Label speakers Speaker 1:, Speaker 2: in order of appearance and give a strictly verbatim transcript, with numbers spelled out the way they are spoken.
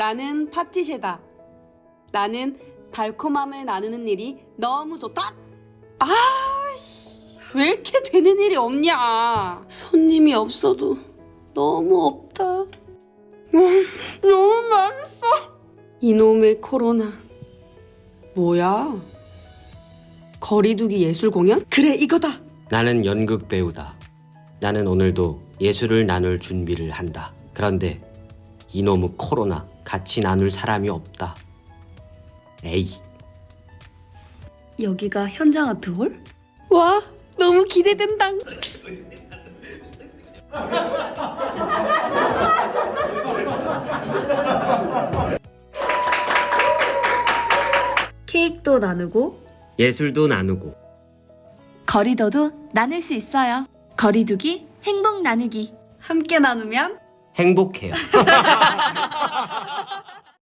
Speaker 1: 나는 파티쉐다. 나는 달콤함을 나누는 일이 너무 좋다. 아씨, 왜 이렇게 되는 일이 없냐. 손님이 없어도 너무 없다. 음, 너무 맛있어. 이놈의 코로나. 뭐야? 거리두기 예술 공연? 그래, 이거다.
Speaker 2: 나는 연극 배우다. 나는 오늘도 예술을 나눌 준비를 한다. 그런데 이놈의 코로나 같이 나눌 사람이 없다. 에이.
Speaker 1: 여기가 현장 아트홀? 와, 너무 기대된다. 케이크도 나누고
Speaker 2: 예술도 나누고
Speaker 3: 거리둬도 나눌 수 있어요. 거리두기, 행복 나누기.
Speaker 1: 함께 나누면
Speaker 2: 행복해요.